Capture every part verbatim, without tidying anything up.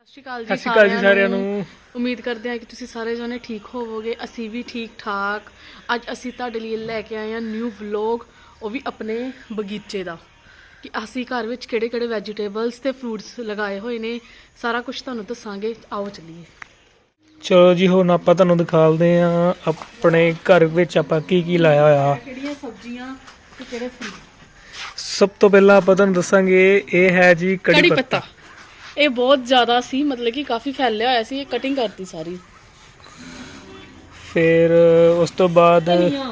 ਸਤਿ ਸ਼੍ਰੀ ਅਕਾਲ ਜੀ ਸਾਰਿਆਂ ਨੂੰ। ਉਮੀਦ ਕਰਦੇ ਹਾਂ ਕਿ ਤੁਸੀਂ ਸਾਰੇ ਜਣੇ ਠੀਕ ਹੋਵੋਗੇ। ਅਸੀਂ ਵੀ ਠੀਕ ਠਾਕ। ਅੱਜ ਅਸੀਂ ਤੁਹਾਡੇ ਲਈ ਲੈ ਕੇ ਆਏ ਹਾਂ ਨਿਊ ਵਲੌਗ, ਉਹ ਵੀ ਆਪਣੇ ਬਗੀਚੇ ਦਾ, ਕਿ ਅਸੀਂ ਘਰ ਵਿੱਚ ਕਿਹੜੇ ਕਿਹੜੇ ਵੈਜੀਟੇਬਲਸ ਤੇ ਫਰੂਟਸ ਲਗਾਏ ਹੋਏ ਨੇ, ਸਾਰਾ ਕੁਝ ਤੁਹਾਨੂੰ ਦੱਸਾਂਗੇ। ਆਓ ਚੱਲੀਏ। ਚਲੋ ਜੀ, ਹੁਣ ਆਪਾਂ ਤੁਹਾਨੂੰ ਦਿਖਾਉਂਦੇ ਆ ਆਪਣੇ ਘਰ ਵਿੱਚ ਆਪਾਂ ਕੀ ਕੀ ਲਾਇਆ ਹੋਇਆ, ਕਿਹੜੀਆਂ ਸਬਜ਼ੀਆਂ ਤੇ ਕਿਹੜੇ ਫਰੂਟ। ਸਭ ਤੋਂ ਪਹਿਲਾਂ ਆਪਾਂ ਤੁਹਾਨੂੰ ਦੱਸਾਂਗੇ, ਇਹ ਹੈ ਜੀ ਕੜੀ ਪੱਤਾ। ਇਹ ਬਹੁਤ ਜ਼ਿਆਦਾ ਸੀ, ਮਤਲਬ ਕਿ ਕਾਫੀ ਫੈਲਿਆ ਹੋਇਆ ਸੀ, ਇਹ ਕਟਿੰਗ ਕਰਤੀ ਸਾਰੀ। ਫਿਰ ਉਸ ਤੋਂ ਬਾਅਦ ਧਨੀਆ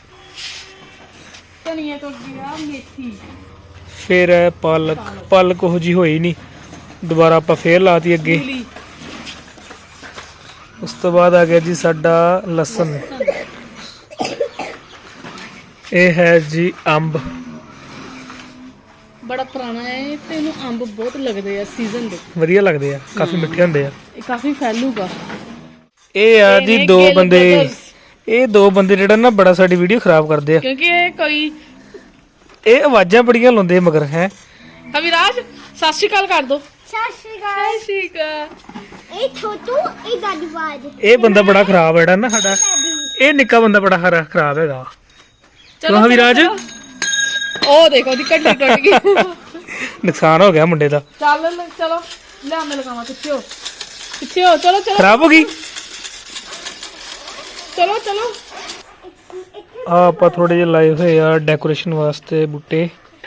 ਧਨੀਆ ਤੋਂ ਗਿਆ ਮੇਥੀ। ਫਿਰ ਹੈ ਪਾਲਕ। ਪਾਲਕ ਉਹ ਜੀ ਹੋਈ ਨਹੀਂ, ਦੁਬਾਰਾ ਆਪਾਂ ਫੇਰ ਲਾਤੀ ਅੱਗੇ। ਮੂਲੀ। ਉਸ ਤੋਂ ਬਾਅਦ ਆ ਗਿਆ ਜੀ ਸਾਡਾ ਲਸਣ। ਇਹ ਹੈ ਜੀ ਅੰਬ, ਬੜਾ ਪੁਰਾਣਾ ਹੈ ਤੇ ਇਹਨੂੰ ਅੰਬ ਬਹੁਤ ਲੱਗਦੇ ਆ ਸੀਜ਼ਨ ਦੇ, ਵਧੀਆ ਲੱਗਦੇ ਆ, ਕਾਫੀ ਮਿੱਠੇ ਹੁੰਦੇ ਆ। ਇਹ ਕਾਫੀ ਫੈਲੂਗਾ। ਇਹ ਆ ਜੀ ਦੋ ਬੰਦੇ, ਇਹ ਦੋ ਬੰਦੇ ਜਿਹੜਾ ਨਾ ਬੜਾ ਸਾਡੀ ਵੀਡੀਓ ਖਰਾਬ ਕਰਦੇ ਆ, ਕਿਉਂਕਿ ਇਹ ਕੋਈ ਇਹ ਆਵਾਜ਼ਾਂ ਬੜੀਆਂ ਲਾਉਂਦੇ ਮਗਰ। ਹੈ ਅਵਿਰਾਜ, ਸਤਿ ਸ਼੍ਰੀ ਅਕਾਲ ਕਰ ਦੋ। ਸਤਿ ਸ਼੍ਰੀ ਅਕਾਲ। ਸਤਿ ਸ਼੍ਰੀ ਅਕਾਲ। ਇਹ ਛੋਟੂ, ਇਹ ਦਾਦੀ ਬਾਜ। ਇਹ ਬੰਦਾ ਬੜਾ ਖਰਾਬ ਹੈ ਜਿਹੜਾ ਨਾ ਸਾਡਾ, ਇਹ ਨਿੱਕਾ ਬੰਦਾ ਬੜਾ ਹਰਾ ਖਰਾਬ ਹੈਗਾ। ਚਲੋ ਅਵਿਰਾਜ, ਉਹ ਦੇਖੋ ਉਹਦੀ ਕੱਢੀ ਟੁੱਟ ਗਈ। ਨੁਕਸਾਨ ਹੋ ਗਿਆ ਮੁੰਡੇ ਦਾ। ਚੱਲ ਚਲੋ ਲਿਆ, ਮੈਂ ਲਗਾਵਾਂ। ਪਿੱਛੇ ਹੋ, ਪਿੱਛੇ ਹੋ। ਚਲੋ ਚਲੋ ਖਰਾਬ ਹੋ ਗਈ। ਚਲੋ ਚਲੋ। ਆ ਆਪਾਂ ਥੋੜੇ ਜਿਹੇ ਲਾਏ ਹੋਏ ਆ ਡੈਕੋਰੇਸ਼ਨ ਵਾਸਤੇ ਬੂਟੇ।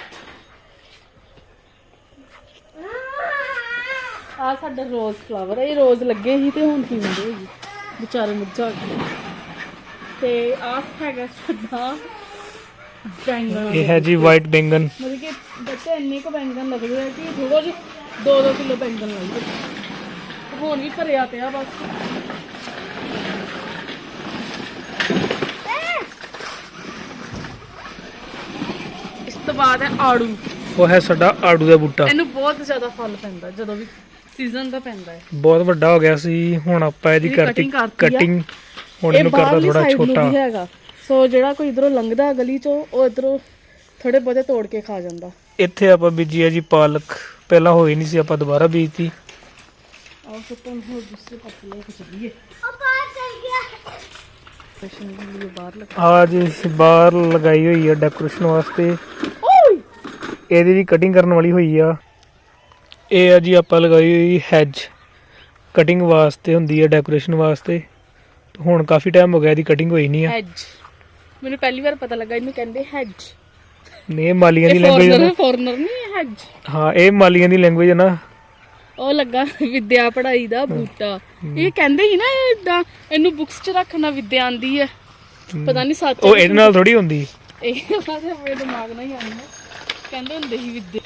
ਆ ਸਾਡਾ ਰੋਜ਼ ਫਲਾਵਰ, ਇਹ ਰੋਜ਼ ਲੱਗੇ ਸੀ ਤੇ ਹੁਣ ਕੀ ਹੁੰਦੇ ਹੋਈ ਵਿਚਾਰੇ ਮੁਰਝਾ ਗਏ। ਤੇ ਆ ਹੈਗਾ ਸਾਡਾ ਬੈਂਗਣ। ਇਹ ਹੈ ਜੀ ਵਾਈਟ ਬੈਂਗਨ। ਮਤਲਬ ਕਿ ਬੱਚੇ ਇੰਨੇ ਕੁ ਬੈਂਗਣ ਲੱਗਦੇ ਆ ਕਿ ਥੋੜਾ ਜਿਹਾ ਦੋ ਦੋ ਕਿਲੋ ਬੈਂਗਣ ਲਾਈਏ। ਹੁਣ ਵੀ ਭਰਿਆ ਪਿਆ ਬਸ। ਇਸ ਤੋਂ ਬਾਅਦ ਹੈ ਆੜੂ। ਉਹ ਹੈ ਸਾਡਾ ਆੜੂ ਦਾ ਬੂਟਾ। ਇਹਨੂੰ ਬਹੁਤ ਜ਼ਿਆਦਾ ਫਲ ਪੈਂਦਾ ਜਦੋਂ ਵੀ ਸੀਜ਼ਨ ਦਾ ਪੈਂਦਾ ਹੈ। ਬਹੁਤ ਵੱਡਾ ਹੋ ਗਿਆ ਸੀ, ਹੁਣ ਆਪਾਂ ਇਹਦੀ ਕਰਤੀ ਕਟਿੰਗ। ਹੁਣ ਇਹਨੂੰ ਕਰਦਾ ਥੋੜਾ ਛੋਟਾ ਹੈਗਾ। ਸੋ ਜਿਹੜਾ ਕੋਈ ਇਧਰੋਂ ਲੰਘਦਾ ਗਲੀ ਚੋਂ, ਉਹ ਇਧਰੋਂ ਥੋੜੇ ਬਹੁਤੇ ਤੋੜ ਕੇ ਖਾ ਜਾਂਦਾ। ਇੱਥੇ ਆਪਾਂ ਬੀਜੀ ਹੈ ਜੀ ਪਾਲਕ, ਪਹਿਲਾਂ ਹੋਈ ਨਹੀਂ ਸੀ, ਆਪਾਂ ਦੁਬਾਰਾ ਬੀਜਤੀ। ਆਹ ਸੁਪਨ ਹੋ ਦੂਸਰੇ ਪਾਸੇ ਲੈ ਕੇ ਚੱਲੀਏ। ਉਹ ਬਾਹਰ ਚਲ ਗਿਆ। ਡੈਕੋਰੇਸ਼ਨ ਲਈ ਬਾਹਰ ਲਗਾ। ਆ ਜੀ ਬਾਹਰ ਲਗਾਈ ਹੋਈ ਹੈ ਡੈਕੋਰੇਸ਼ਨ ਵਾਸਤੇ। ਓਏ ਇਹਦੀ ਵੀ ਕਟਿੰਗ ਕਰਨ ਵਾਲੀ ਹੋਈ ਆ। ਇਹ ਆ ਜੀ ਆਪਾਂ ਲਗਾਈ ਹੋਈ ਹੈਜ, ਕਟਿੰਗ ਵਾਸਤੇ ਹੁੰਦੀ ਹੈ, ਡੈਕੋਰੇਸ਼ਨ ਵਾਸਤੇ। ਹੁਣ ਕਾਫੀ ਟਾਈਮ ਹੋ ਗਿਆ ਇਹਦੀ ਕਟਿੰਗ ਹੋਈ ਨਹੀਂ ਆ। ਹੈਜ, ਮੈਨੂੰ ਪਹਿਲੀ ਵਾਰ ਪਤਾ ਲੱਗਾ ਇਹਨੂੰ ਕਹਿੰਦੇ ਹੈਜ। ਨੇ ਮਾਲੀਆਂ ਦੀ ਲੈਂਗੁਏਜ ਹੈ ਨਾ। ਫੋਰਨਰ ਨਹੀਂ ਹੈਜ। ਹਾਂ, ਇਹ ਮਾਲੀਆਂ ਦੀ ਲੈਂਗੁਏਜ ਹੈ ਨਾ। ਉਹ ਲੱਗਾ ਵਿਦਿਆ ਪੜਾਈ ਦਾ ਬੂਟਾ। ਇਹ ਕਹਿੰਦੇ ਸੀ ਨਾ ਇਦਾਂ ਇਹਨੂੰ ਬੁక్స్ ਚ ਰੱਖਣਾ ਵਿਦਿਆ ਆਂਦੀ ਹੈ। ਪਤਾ ਨਹੀਂ ਸੱਚ ਉਹ ਇਹਦੇ ਨਾਲ ਥੋੜੀ ਹੁੰਦੀ। ਇਹ ਮੇਰੇ ਦਿਮਾਗ ਨਾਲ ਹੀ ਆਉਂਦਾ। ਕਹਿੰਦੇ ਹੁੰਦੇ ਸੀ ਵਿਦਿਆ।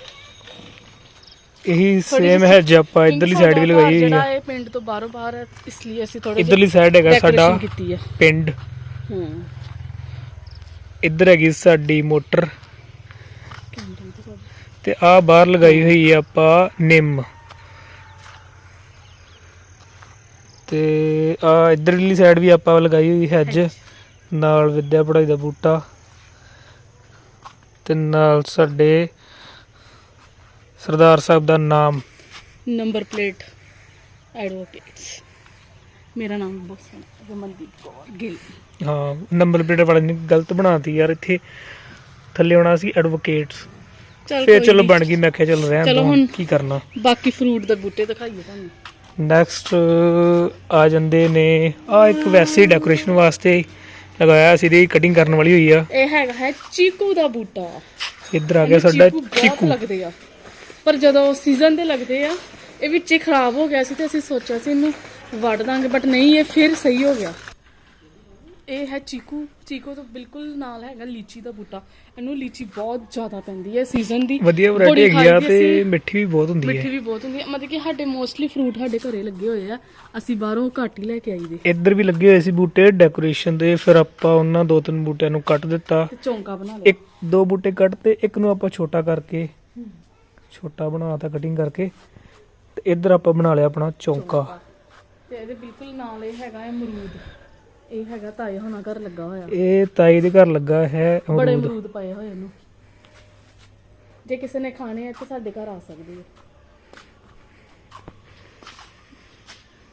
ਇਹੀ ਸੇਮ ਹੈ ਜੇ ਆਪਾਂ ਇਧਰਲੀ ਸਾਈਡ ਵੀ ਲਗਾਈ ਹੋਈ ਜਿਹੜਾ ਹੈ। ਇਹ ਪਿੰਡ ਤੋਂ ਬਾਹਰੋਂ ਬਾਹਰ ਹੈ, ਇਸ ਲਈ ਅਸੀਂ ਥੋੜਾ ਇਧਰਲੀ ਸਾਈਡ ਹੈਗਾ ਸਾਡਾ ਕੀਤੀ ਹੈ ਪਿੰਡ। ਹੂੰ, ਇੱਧਰ ਹੈਗੀ ਸਾਡੀ ਮੋਟਰ ਤੇ ਆ ਬਾਹਰ ਲਗਾਈ ਹੋਈ ਹੈ ਆਪਾਂ ਨਿੰਮ। ਤੇ ਆ ਇਧਰਲੀ ਸਾਈਡ ਵੀ ਆਪਾਂ ਲਗਾਈ ਹੋਈ ਹੈਜ, ਨਾਲ ਵਿਦਿਆ ਪੜਾਈ ਦਾ ਬੂਟਾ ਤੇ ਨਾਲ ਸਾਡੇ ਸਰਦਾਰ ਸਾਹਿਬ ਦਾ ਨਾਮ, ਨੰਬਰ ਪਲੇਟ, ਐਡਵੋਕੇਟਸ। ਮੇਰਾ ਨਾਮ ਬਸ ਰਮਨਦੀਪ ਕੌਰ ਗਿੱਲ। ਹਾਂ, ਨੰਬਰ ਪਲੇਟ ਵਾਲੇ ਨੇ ਗਲਤ ਬਣਾਤੀ ਯਾਰ, ਇੱਥੇ ਥੱਲੇ ਆਉਣਾ ਸੀ ਐਡਵੋਕੇਟਸ। ਫੇਰ ਚਲੋ ਬਣ ਗਈ, ਮੈਂ ਕਿਹਾ ਚਲੋ ਰਹਿਣ ਦੋ, ਕੀ ਕਰਨਾ। ਬਾਕੀ ਫਰੂਟ ਦੇ ਬੂਟੇ ਦਿਖਾਈਏ ਤੁਹਾਨੂੰ। ਨੈਕਸਟ ਆ ਜਾਂਦੇ ਨੇ, ਆ ਇੱਕ ਵੈਸੇ ਡੈਕੋਰੇਸ਼ਨ ਵਾਸਤੇ ਲਗਾਇਆ ਸੀ, ਇਹਦੀ ਕਟਿੰਗ ਕਰਨ ਵਾਲੀ ਹੋਈ ਆ। ਇਹ ਹੈਗਾ ਹੈ ਚੀਕੂ ਦਾ ਬੂਟਾ। ਇੱਧਰ ਆ ਗਿਆ ਸਾਡਾ ਚੀਕੂ। ਲੱਗਦੇ ਆ, ਪਰ ਜਦੋਂ ਸੀਜ਼ਨ ਦੇ ਲੱਗਦੇ ਆ, ਇਹ ਵਿੱਚ ਹੀ ਖਰਾਬ ਹੋ ਗਿਆ ਸੀ ਤੇ ਅਸੀਂ ਸੋਚਿਆ ਸੀ ਇਹਨੂੰ ਵੱਢ ਦਾਂਗੇ, ਬਟ ਨਹੀਂ, ਇਹ ਫਿਰ ਸਹੀ ਹੋ ਗਿਆ। ਇਹ ਹੈ ਚੀਕੂ। ਚੀਕੂ ਤੋਂ ਬਿਲਕੁਲ ਨਾਲ ਹੈਗਾ ਲੀਚੀ ਦਾ ਬੂਟਾ। ਇਹਨੂੰ ਲੀਚੀ ਬਹੁਤ ਜ਼ਿਆਦਾ ਪੈਂਦੀ ਹੈ ਸੀਜ਼ਨ ਦੀ, ਵਧੀਆ ਵੈਰਾਈਟੀ ਹੈਗੀ ਆ ਤੇ ਮਿੱਠੀ ਵੀ ਬਹੁਤ ਹੁੰਦੀ ਹੈ। ਮਿੱਠੀ ਵੀ ਬਹੁਤ ਹੁੰਦੀ ਹੈ, ਮਤਲਬ ਕਿ ਸਾਡੇ ਮੋਸਟਲੀ ਫਰੂਟ ਸਾਡੇ ਘਰੇ ਲੱਗੇ ਹੋਏ ਆ, ਅਸੀਂ ਬਾਹਰੋਂ ਘੱਟ ਹੀ ਲੈ ਕੇ ਆਈਦੇ। ਇੱਧਰ ਵੀ ਲੱਗੇ ਹੋਏ ਸੀ ਬੂਟੇ ਡੈਕੋਰੇਸ਼ਨ ਦੇ, ਫਿਰ ਆਪਾਂ ਉਹਨਾਂ ਦੋ ਤਿੰਨ ਬੂਟਿਆਂ ਨੂੰ ਕੱਟ ਦਿੱਤਾ, ਤੇ ਚੌਂਕਾ ਬਣਾ ਲਿਆ। ਇੱਕ ਦੋ ਬੂਟੇ ਕੱਟ ਤੇ ਇੱਕ ਨੂੰ ਆਪਾਂ ਛੋਟਾ ਕਰਕੇ, ਛੋਟਾ ਬਣਾਤਾ ਕਟਿੰਗ ਕਰਕੇ, ਤੇ ਇੱਧਰ ਆਪਾਂ ਬਣਾ ਲਿਆ ਆਪਣਾ ਚੌਂਕਾ। ਤੇ ਇਹਦੇ ਬਿਲਕੁਲ ਨਾਲ ਇਹ ਹੈਗਾ ਹੈ ਅਮਰੂਦ। ਇਹ ਹੈਗਾ ਤਾਏ ਹੋਣਾ ਘਰ ਲੱਗਾ ਹੋਇਆ। ਇਹ ਤਾਈ ਦੇ ਘਰ ਲੱਗਾ ਹੈ ਬੜੇ ਅਮਰੂਦ। ਅਮਰੂਦ ਪਏ ਹੋਏ ਇਹਨੂੰ, ਜੇ ਕਿਸੇ ਨੇ ਖਾਣੇ ਆ ਤਾਂ ਸਾਡੇ ਘਰ ਆ ਸਕਦੇ ਆ।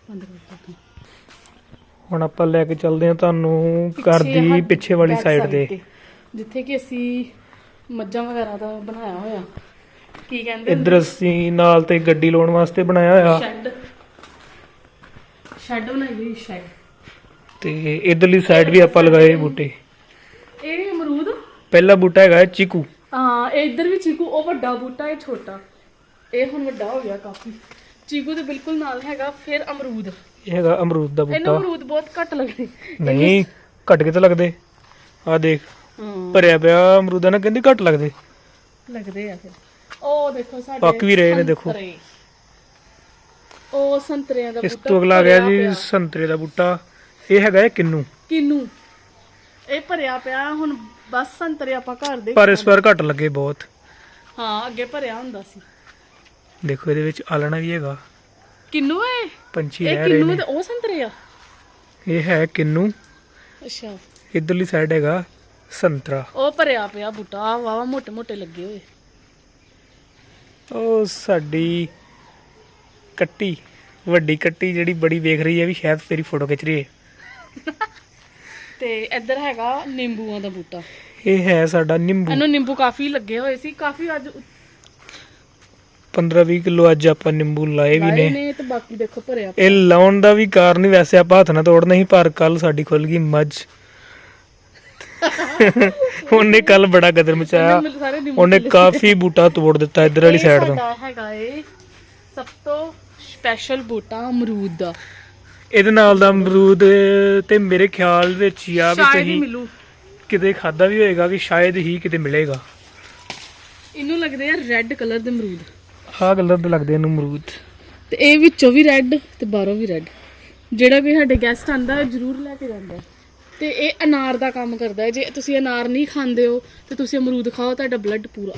ਬੰਦ ਕਰ ਦਿੱਤਾ ਹੁਣ ਆਪਾਂ ਲੈ ਕੇ ਚੱਲਦੇ ਹਾਂ ਤੁਹਾਨੂੰ ਘਰ ਦੀ ਪਿੱਛੇ ਵਾਲੀ ਸਾਈਡ ਤੇ, ਜਿੱਥੇ ਕਿ ਅਸੀਂ ਮੱਝਾਂ ਵਗੈਰਾ ਦਾ ਬਣਾਇਆ ਹੋਇਆ, ਕੀ ਕਹਿੰਦੇ ਇੱਧਰ ਅਸੀਂ ਨਾਲ ਤੇ ਗੱਡੀ ਲਾਉਣ ਵਾਸਤੇ ਬਣਾਇਆ ਹੋਇਆ, ਸ਼ੈੱਡ ਸ਼ੈੱਡ ਬਣਾਈ ਹੋਈ ਸ਼ੈੱਡ। ਤੇ ਇਧਰਲੀ ਸਾਈਡ ਵੀ ਆਪਾਂ ਲਗਾਏ ਬੂਟੇ। ਇਹ ਅਮਰੂਦ, ਪਹਿਲਾ ਬੂਟਾ ਹੈਗਾ ਚੀਕੂ। ਹਾਂ ਇਹ ਇੱਧਰ ਵੀ ਚੀਕੂ, ਉਹ ਵੱਡਾ ਬੂਟਾ, ਇਹ ਛੋਟਾ, ਇਹ ਹੁਣ ਵੱਡਾ ਹੋ ਗਿਆ ਕਾਫੀ। ਚੀਕੂ ਦੇ ਬਿਲਕੁਲ ਨਾਲ ਹੈਗਾ ਫਿਰ ਅਮਰੂਦ। ਇਹ ਹੈਗਾ ਅਮਰੂਦ ਦਾ ਇਹਨੂੰ ਬੂਟਾ। ਅਮਰੂਦ ਬਹੁਤ ਘੱਟ ਲੱਗਦੇ। ਨਹੀਂ ਘੱਟ ਕੇ ਤਾਂ ਲੱਗਦੇ, ਆ ਦੇਖ ਹਾਂ ਭਰਿਆ ਪਿਆ ਅਮਰੂਦਾਂ ਨਾਲ, ਕਹਿੰਦੀ ਘੱਟ ਲੱਗਦੇ ਲੱਗਦੇ ਆ ਫਿਰ। ਉਹ ਦੇਖੋ ਸਾਡੇ ਪੱਕ ਵੀ ਰਹੇ ਨੇ, ਦੇਖੋ। ਸੰਤਰੇ। ਉਹ ਸੰਤਰਿਆਂ ਦਾ ਇਸ ਬੂਟਾ ਤੋਂ ਅਗਲਾ ਆ ਗਿਆ ਭਰਿਆ ਜੀ ਪਿਆ। ਸੰਤਰੇ ਦਾ ਬੂਟਾ। ਇਹ ਹੈਗਾ ਹੈ ਕਿੰਨੂ। ਕਿੰਨੂ ਇਹ ਭਰਿਆ ਪਿਆ ਹੁਣ, ਬਸ ਸੰਤਰੇ ਆਪਾਂ ਘਰ ਦੇ ਪਰ ਇਸ ਵਾਰ ਘੱਟ ਲੱਗੇ ਬਹੁਤ। ਹਾਂ ਅੱਗੇ ਭਰਿਆ ਹੁੰਦਾ ਸੀ। ਦੇਖੋ ਇਹਦੇ ਵਿੱਚ ਆਲਣਾ ਵੀ ਹੈਗਾ, ਕਿੰਨੂ ਹੈ ਪੰਛੀ ਇਹ? ਰਹਿ ਰਹੇ ਕਿੰਨੂ ਨੇ। ਤੇ ਉਹ ਸੰਤਰੇ ਆ। ਇਹ ਹੈ ਕਿੰਨੂ, ਅੱਛਾ ਇਧਰਲੀ ਸਾਈਡ ਹੈਗਾ ਸੰਤਰਾ। ਉਹ ਭਰਿਆ ਪਿਆ ਬੂਟਾ, ਵਾਵਾ ਮੋਟੇ ਮੋਟੇ ਲੱਗੇ ਹੋਏ। ਉਹ ਸਾਡੀ ਕੱਟੀ, ਵੱਡੀ ਕੱਟੀ ਜਿਹੜੀ ਬੜੀ ਵੇਖ ਰਹੀ ਹੈ ਵੀ ਸ਼ਾਇਦ ਤੇਰੀ ਫੋਟੋ ਖਿੱਚ ਰਹੀ ਹੈ। ਤੇ ਇੱਧਰ ਹੈਗਾ ਨਿੰਬੂਆਂ ਦਾ ਬੂਟਾ। ਇਹ ਹੈ ਸਾਡਾ ਨਿੰਬੂ। ਇਹਨੂੰ ਨਿੰਬੂ ਕਾਫੀ ਲੱਗੇ ਹੋਏ ਸੀ, ਕਾਫੀ ਅੱਜ ਪੰਦਰਾਂ ਵੀਹ ਕਿਲੋ ਅੱਜ ਆਪਾਂ ਨਿੰਬੂ ਲਾਏ ਵੀ ਲਾਏ ਨੇ। ਨੇ ਤੇ ਬਾਕੀ ਦੇਖੋ ਭਰਿਆ ਇਹ ਲਾਉਣ ਦਾ ਵੀ ਕਾਰਨ ਹੀ ਵੈਸੇ ਆਪਾਂ ਹੱਥ ਨਾਲ ਤੋੜਨਾ ਸੀ, ਪਰ ਕੱਲ ਸਾਡੀ ਖੁੱਲ ਗਈ ਮੱਝ। ਉਹਨੇ ਕੱਲ ਬੜਾ ਗਦਰ ਮਚਾਇਆ, ਮੈਨੂੰ ਸਾਰੇ ਨਿੰਬੂ ਉਹਨੇ ਕਾਫੀ ਬੂਟਾ ਤੋੜ ਦਿੱਤਾ ਇੱਧਰ ਵਾਲੀ ਇਹ ਸਾਈਡ ਤੋਂ। ਸਾਡਾ ਹੈਗਾ ਏ ਸਭ ਤੋਂ ਸਪੈਸ਼ਲ ਬੂਟਾ ਅਮਰੂਦ ਦਾ। ਇਹਦੇ ਨਾਲ ਦਾ ਅਮਰੂਦ ਤੇ ਮੇਰੇ ਖਿਆਲ ਵਿੱਚ ਹੀ ਆ ਵੀ ਸ਼ਾਇਦ ਹੀ ਤੁਸੀਂ ਮਿਲੂ। ਕਿਤੇ ਖਾਦਾ ਵੀ ਹੋਏਗਾ ਕਿ ਸ਼ਾਇਦ ਹੀ ਕਿਤੇ ਮਿਲੇਗਾ। ਇਹਨੂੰ ਲੱਗਦੇ ਆ ਰੈੱਡ ਕਲਰ ਦੇ ਅਮਰੂਦ, ਆਹ ਕਲਰ ਦੇ ਲੱਗਦੇ ਇਹਨੂੰ ਅਮਰੂਦ। ਤੇ ਇਹ ਵਿੱਚੋਂ ਵੀ ਰੈੱਡ ਤੇ ਬਾਹਰੋਂ ਵੀ ਰੈੱਡ। ਜਿਹੜਾ ਕੋਈ ਸਾਡੇ ਗੈਸਟ ਆਂਦਾ ਜ਼ਰੂਰ ਲੈ ਕੇ ਜਾਂਦਾ। ਤੇ ਇਹ ਅਨਾਰ ਦਾ ਕੰਮ ਕਰਦਾ ਹੈ। ਜੇ ਤੁਸੀਂ ਅਨਾਰ ਨਹੀਂ ਖਾਂਦੇ ਹੋ ਤੇ ਤੁਸੀਂ ਅਮਰੂਦ ਖਾਓ, ਤੁਹਾਡਾ ਬਲੱਡ ਪੂਰਾ।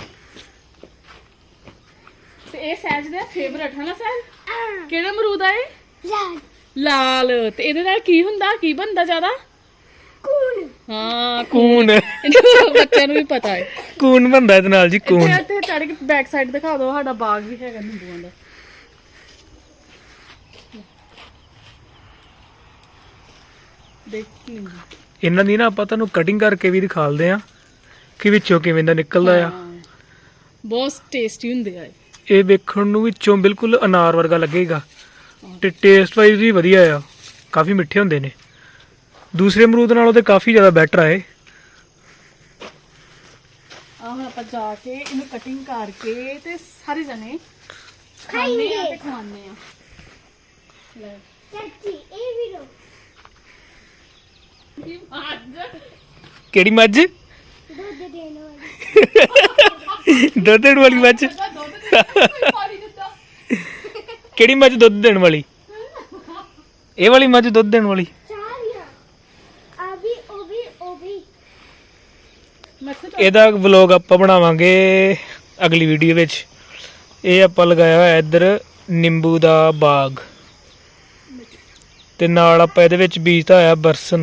ਤੇ ਇਹ ਸਹਿਜ ਦਾ ਫੇਵਰਟ ਹੈ ਨਾ ਸਹਿਜ? ਕਿਹੜਾ ਅਮਰੂਦ ਆ ਇਹ? ਲਾਲ ਲਾਲ। ਤੇ ਇਹਦੇ ਨਾਲ ਕੀ ਹੁੰਦਾ, ਕੀ ਬਣਦਾ ਜ਼ਿਆਦਾ? ਕੂਨ ਹਾਂ ਕੂਨ। ਇਹਨੂੰ ਬੱਚਿਆਂ ਨੂੰ ਵੀ ਪਤਾ ਹੈ। ਕੂਨ ਬੰਦਾ ਇਹਦੇ ਨਾਲ ਜੀ, ਕੂਨ। ਇੱਥੇ ਇੱਥੇ ਚੜ੍ਹ ਕੇ ਬੈਕ ਸਾਈਡ ਦਿਖਾ ਦਿਓ, ਸਾਡਾ ਬਾਗ ਵੀ ਹੈਗਾ ਨਿੰਬੂਆਂ ਦਾ। ਦੇਖ ਨਿੰਬੂ। ਇਹਨਾਂ ਦੀ ਨਾ ਆਪਾਂ ਤੁਹਾਨੂੰ ਕਟਿੰਗ ਕਰਕੇ ਵੀ ਦਿਖਾਲਦੇ ਆ ਕਿ ਵਿੱਚੋਂ ਕਿਵੇਂ ਦਾ ਨਿਕਲਦਾ ਆ। ਹਾਂ, ਬਹੁਤ ਟੇਸਟੀ ਹੁੰਦੇ ਆ ਇਹ। ਇਹ ਵੇਖਣ ਨੂੰ ਵਿੱਚੋਂ ਬਿਲਕੁਲ ਅਨਾਰ ਵਰਗਾ ਲੱਗੇਗਾ ਤੇ ਟੇਸਟ ਵਾਈਜ਼ ਵੀ ਵਧੀਆ ਆ, ਕਾਫੀ ਮਿੱਠੇ ਹੁੰਦੇ ਨੇ। ਦੂਸਰੇ ਅਮਰੂਦ ਨਾਲੋਂ ਤੇ ਕਾਫੀ ਜ਼ਿਆਦਾ ਬੈਟਰ ਆ ਇਹ। ਆ ਹੁਣ ਆਪਾਂ ਜਾ ਕੇ ਇਹਨੂੰ ਕਟਿੰਗ ਕਰਕੇ ਤੇ ਸਾਰੇ ਜਣੇ ਖਾਣੇ ਆ ਤੇ ਖਾਣੇ ਆ। ਲੈ ਚਾਚੀ ਇਹ ਵੀ ਲੋ ਕੀ ਮੱਝ ਕਿਹੜੀ ਮੱਝ? ਦੁੱਧ ਦੇਣ ਵਾਲੀ ਦੁੱਧ ਦੇਣ ਵਾਲੀ ਮੱਝ? ਪਾਣੀ ਦਿੱਤਾ। ਕਿਹੜੀ ਮੱਝ ਦੁੱਧ ਦੇਣ ਵਾਲੀ? ਇਹ ਵਾਲੀ ਮੱਝ ਦੁੱਧ ਦੇਣ ਵਾਲੀ? ਚਾਹੀਆ ਆ ਵੀ ਉਹ ਵੀ ਉਹ ਵੀ ਮੱਛਰ ਇਹਦਾ ਵਲੌਗ ਆਪਾਂ ਬਣਾਵਾਂਗੇ ਅਗਲੀ ਵੀਡੀਓ ਵਿੱਚ। ਇਹ ਆਪਾਂ ਲਗਾਇਆ ਹੋਇਆ ਇੱਧਰ ਨਿੰਬੂ ਦਾ ਬਾਗ, ਤੇ ਨਾਲ ਆਪਾਂ ਇਹਦੇ ਵਿੱਚ ਬੀਜਤਾ ਹੋਇਆ ਬਰਸਨ।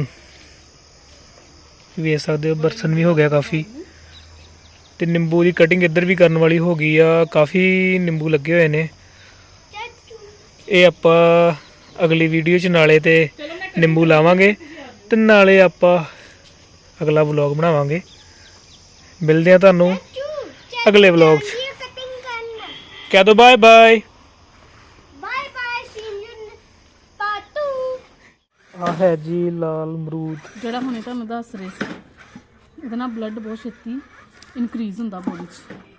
ਵੇਖ ਸਕਦੇ ਹੋ ਬਰਸਨ ਵੀ ਹੋ ਗਿਆ ਕਾਫੀ। ਤੇ ਨਿੰਬੂ ਦੀ ਕਟਿੰਗ ਇੱਧਰ ਵੀ ਕਰਨ ਵਾਲੀ ਹੋ ਗਈ ਆ, ਕਾਫੀ ਨਿੰਬੂ ਲੱਗੇ ਹੋਏ ਨੇ। ਚਾਚੂ ਇਹ ਆਪਾਂ ਅਗਲੀ ਵੀਡੀਓ 'ਚ ਨਾਲੇ ਤੇ ਨਿੰਬੂ ਲਾਵਾਂਗੇ ਤੇ ਨਾਲੇ ਆਪਾਂ ਅਗਲਾ ਵਲੌਗ ਬਣਾਵਾਂਗੇ। ਮਿਲਦੇ ਆ ਤੁਹਾਨੂੰ ਚਾਚੂ ਅਗਲੇ ਵਲੌਗ 'ਚ। ਇਹ ਕਟਿੰਗ ਕਰਨਾ। ਕਹਿ ਦੋ bye bye. Bye bye see you ਪਾਟੂ। ਆ ਹੈ ਜੀ ਲਾਲ ਅਮਰੂਦ। ਜਿਹੜਾ ਹੁਣੇ ਤੁਹਾਨੂੰ ਦੱਸ ਰਹੇ ਸੀ, ਇਹਦੇ ਨਾਲ ਬਲੱਡ ਬਹੁਤ ਛੇਤੀ ਇਨਕਰੀਜ਼ ਹੁੰਦਾ ਬੋਡੀ 'ਚ।